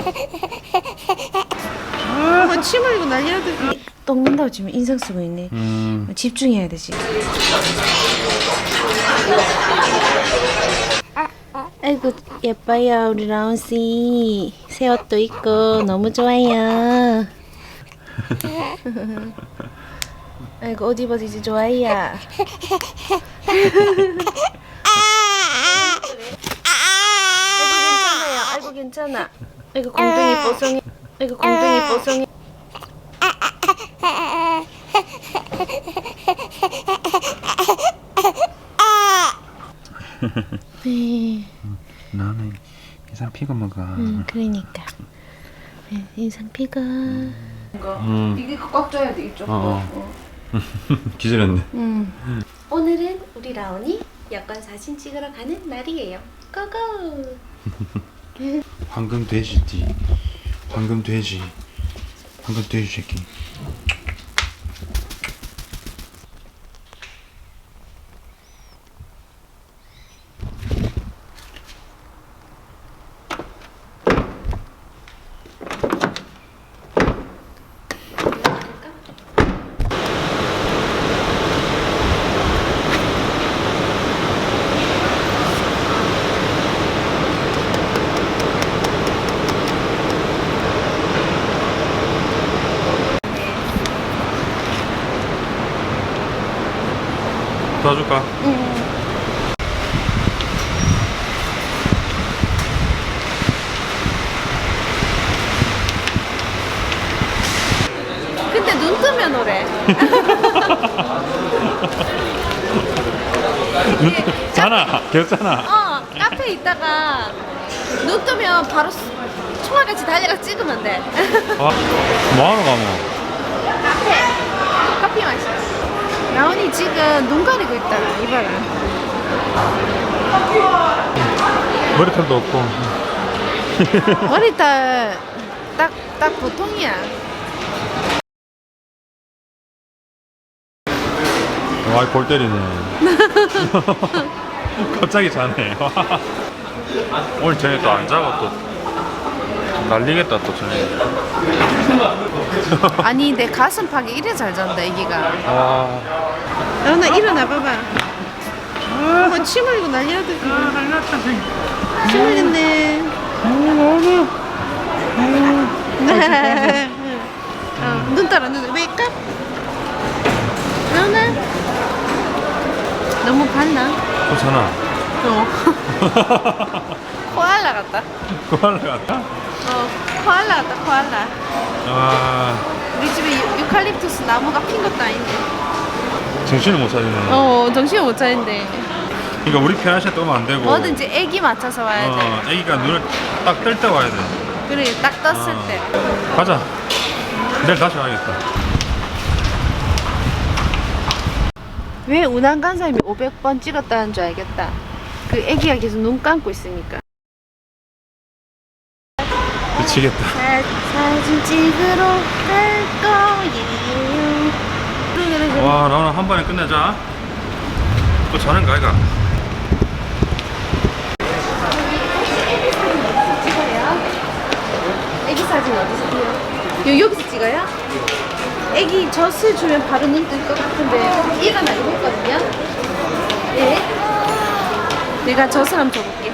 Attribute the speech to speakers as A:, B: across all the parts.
A: 아, 침 흘리고 난리 나더라. 똥 문다고 지금 인상 쓰고 있네. 집중해야 되지. 아이고 예뻐요 우리 라온씨. 새 옷도 입고 너무 좋아요. 아이고 옷 입어서 이제 좋아요. 아이고 괜찮아요. 아이고 괜찮아. 아이고 공둥이 뽀송이. 아이고 공둥이 뽀송이. 네.
B: 나는 인상 피고 먹어.
A: 그러니까. 네, 인상 피가.
C: 이게 꽉 줘야 돼 이쪽.
B: 기절했네.
A: 오늘은 우리 라온이 여권 사진 찍으러 가는 날이에요. 고고.
B: 황금 돼지띠. 황금 돼지. 황금 돼지 새끼. 도와줄까?
A: 근데 눈 뜨면 오래.
B: 자나 괜찮아.
A: 카페에 있다가 눈 뜨면 바로 총알같이 달려가 찍으면 돼.
B: 뭐하러 가면?
A: 커피 마시자. 라온이 지금 눈 가리고 있다. 이봐라.
B: 머리털도 없고.
A: 머리털 딱 보통이야.
B: 와, 골 때리네. 갑자기 자네. 오늘 저녁 또 안 자고 또 날리겠다 또 저녁.
A: 아니 내 가슴팍이 이래 잘 잔다 애기가.
B: 와.
A: 라온아 일어나 봐봐. 침 흘리고 난리 나더라.
B: 날렸다 지금.
A: 침 흘렸네. 눈 따라 눈 왜까? 라온아 너무 봤나?
B: 또 자나.
A: 코알라 같다.
B: 코알라 같아?
A: 코알라 같다 코알라.
B: 아,
A: 우리 집에 유칼립투스 나무가 핀 것도 아닌데.
B: 정신을 못 차리네.
A: 정신을 못 차린대.
B: 그러니까 우리 편한 시간 뜨면 안 되고.
A: 뭐든지 애기 맞춰서 와야 돼.
B: 애기가 눈을 딱 뜰 때 와야 돼.
A: 그래 딱 떴을 때.
B: 가자. 내일 다시 와야겠다.
A: 왜 운항 간 사람이 500번 찍었다는 줄 알겠다. 그 애기가 계속 눈 감고 있으니까.
B: 미치겠다.
A: 사진 찍으러 갈 거예요. 그래.
B: 와, 나오늘 한 번에 끝내자. 또 자는 거 아이가?
A: 애기 사진 어디서 찍어요? 여기서 찍어요? 애기 젖을 주면 바로 눈 뜰 것 같은데 일어나긴 했거든요. 예? 내가 젖을 한번 줘볼게.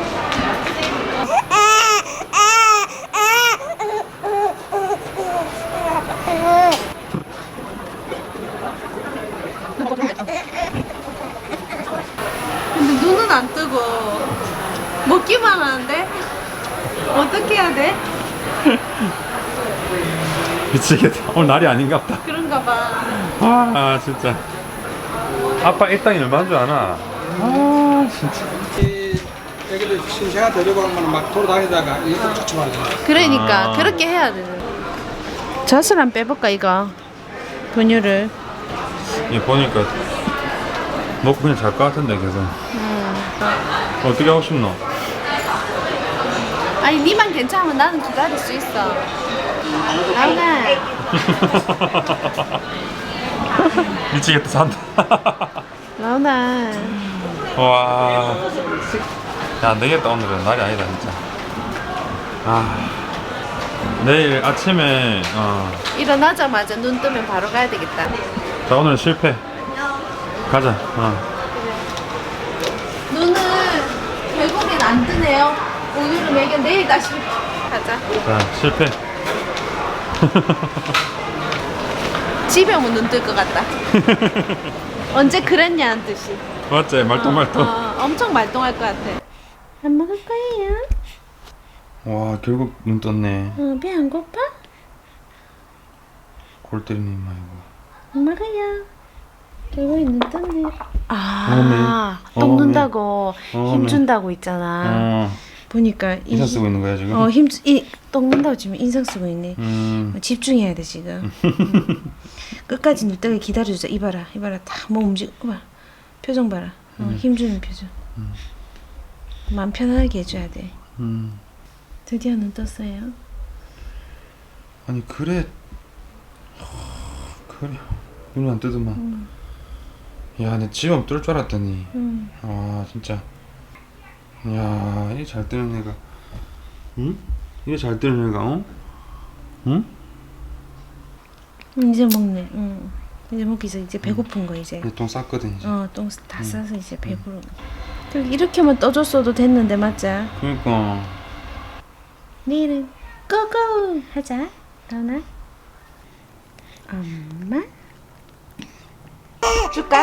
A: 근데 눈은 안 뜨고 먹기만 하는데 어떻게 해야 돼?
B: 미치겠다. 오늘 날이 아닌가 보다.
A: 그런가 봐.
B: 아, 진짜. 아빠 일당이 얼마인 줄 아나? 아, 진짜.
D: 애기들 신생아 데리고 가면 막 돌아다니다가 이것도 쫓아와야 돼.
A: 그러니까 그렇게 해야 되는. 젖을 한번 빼볼까 이거 분유를.
B: 이거 보니까 먹고 그냥 잘 것 같은데 계속. 어떻게 하고 싶노?
A: 아니 니만 괜찮으면 나는 기다릴 수 있어. 라온아.
B: 미치겠다 산다.
A: 라온아.
B: 와. 야, 안 되겠다 오늘은 날이 아니다 진짜. 아. 내일 아침에
A: 일어나자마자 눈 뜨면 바로 가야 되겠다.
B: 자 오늘 실패. 가자.
A: 눈은 결국엔 안 뜨네요. 오늘은 매겨 내일 다시 가자.
B: 자 실패.
A: 집에 오면 눈 뜰 것 같다. 언제 그랬냐는 듯이.
B: 맞지? 말똥말똥.
A: 엄청 말똥할 것 같아. 안 먹을 거예요?
B: 와 결국 눈 떴네.
A: 배 안 고파?
B: 골 때리는 임마 이거.
A: 안 먹어요. 결국에 눈 떴네.
B: 어메.
A: 똥눈다고
B: 어메.
A: 힘준다고 있잖아. 보니까
B: 인상 쓰고 있는 거야 지금?
A: 똥눈다고 지금 인상 쓰고 있네. 집중해야 돼 지금. 끝까지 눈 뜨게 기다려주자. 이봐라 다몸 움직여. 봐. 표정 봐라. 힘주는 표정. 마음 편하게 해줘야 돼. 드디어 눈 떴어요.
B: 아니 그래 눈이 안 뜨더만. 야 내 지금 뜰 줄 알았더니 아 진짜 야 이게 잘 뜨는 애가 응? 이게 잘 뜨는 애가 어? 응?
A: 이제 먹네. 이제 먹기 이제 배고픈 거 이제.
B: 내 똥 쌌거든 이제.
A: 똥 다 싸서 이제 배부르. 이렇게만 떠줬어도 됐는데 맞자.
B: 그러니까
A: 내일은 고고 하자. 라온아. 엄마. 줄까?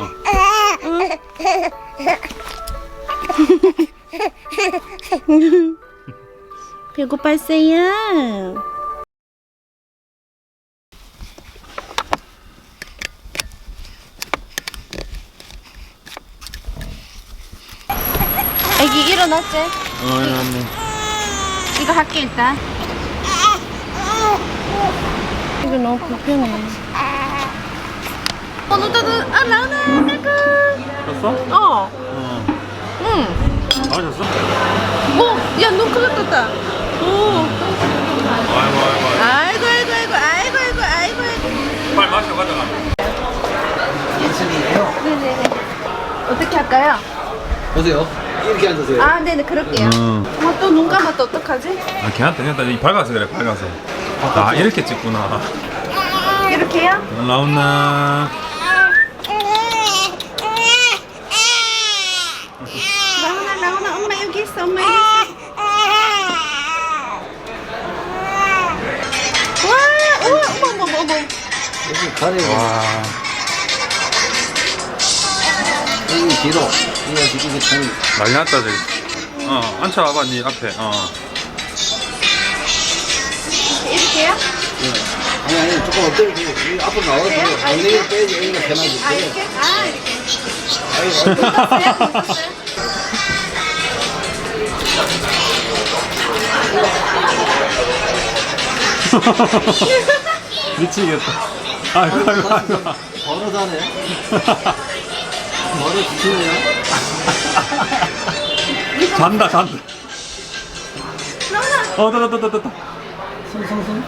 A: 배고팠어요. 애기 일어났지?
B: 일어났네.
A: 이거 할게 일단. 이거 너무 불편해. 눈 떠도 라온아 까꿍.
B: 떴어?
A: 응.
B: 맞았어?
A: 야, 눈 크게 떴다. 오.
B: 아이고
A: 아이고.
B: 빨리 마셔 가져가.
A: 네네네. 어떻게 할까요?
D: 보세요. 이렇게 앉으세요.
A: 아, 네네, 그럴게요. 또 눈 감았다, 어떡하지?
B: 아 괜찮다 이 밝아서 그래 밝아서. 아 이렇게 찍구나.
A: 이렇게요?
B: 라온나.
A: 라온아, 엄마 여기 있어, 엄마 여기 있어. 와, 우와, 어머.
D: 여기 가래요.
B: 와.
D: 여기 뒤로. 이거 지금 참.
B: 난리 났다 저기. 앉혀와봐 니 앞에.
A: 이렇게요?
D: 아니 조금 엎드리고 이 앞으로 나와서 엉덩이를 빼야지 여기가 편하지.
A: 아, 이렇게? 아, 이렇게.
D: 아이고.
B: 미치겠다. 아이고.
D: 버릇하네. 버릇 지치네요.
B: 잔다. 됐다.
D: 숨.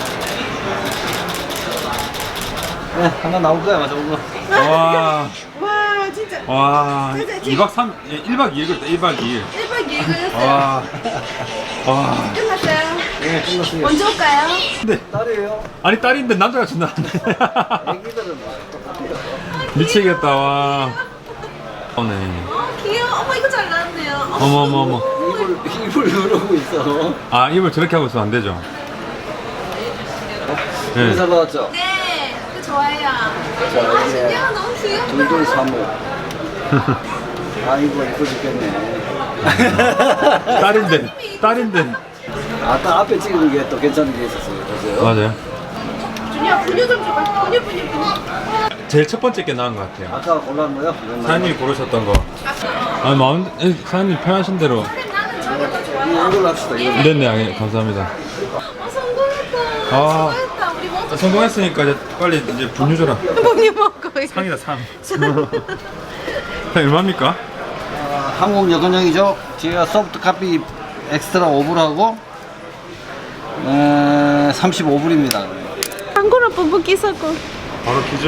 D: 네, 하나 나올 거야, 맞아, 오늘.
B: 와.
A: 와, 진짜.
B: 와.
A: 진짜
B: 2박 3, 1박 2일 그랬다. 1박 2일.
A: 1박 2일 걸렸어요.
B: 와.
A: 끝났어요.
D: 네, 끝났어요.
A: 먼저 올까요?
B: 근데
D: 딸이에요.
B: 아니 딸인데 남자가 준다는데.
D: 애기들은 막 똑같아요.
B: 미치겠다. 와. 네.
A: 귀여워. 어머, 이거 잘 나왔네요.
B: 어머.
D: 입을 누르고 있어.
B: 아 입을 저렇게 하고 있으면 안 되죠. 네.
D: 인사 받았죠?
A: 네, 그 좋아요.
D: 자, 이제
A: 진짜 너무 귀엽다.
D: 둘둘 사모. 아이고, 이뻐 죽겠네.
B: 딸인데.
D: 아까 앞에 찍은 게 또 괜찮은 게 있었어요. 보세요.
B: 맞아요.
A: 준이야, 분유 좀 줘봐. 분유.
B: 제일 첫 번째 게 나은 것 같아요.
D: 아까 골라온 거요?
B: 사장님이 고르셨던 거. 아 마음 사장님 편하신 대로.
A: 나는 저게 더 좋아요.
D: 이걸로 합시다. 이걸로.
B: 네네 감사합니다.
A: 성공했다.
B: 아.
A: 성공했다. 우리 먼저
B: 성공했으니까 이제 빨리 이제 분유 줘라.
A: 분유 먹고 이제.
B: 상이다 상. 얼마입니까?
D: 한국 여건형이죠. 제가 소프트 커피 엑스트라 5불 하고 35불입니다.
A: 한국어 뿜뿜기 사고.
B: 바로 기절.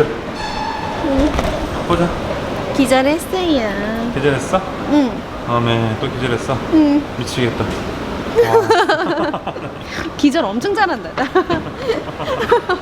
B: 보자.
A: 기절했어요.
B: 기절했어?
A: 응.
B: 다음에 또 기절했어?
A: 응.
B: 미치겠다.
A: 기절 엄청 잘한다.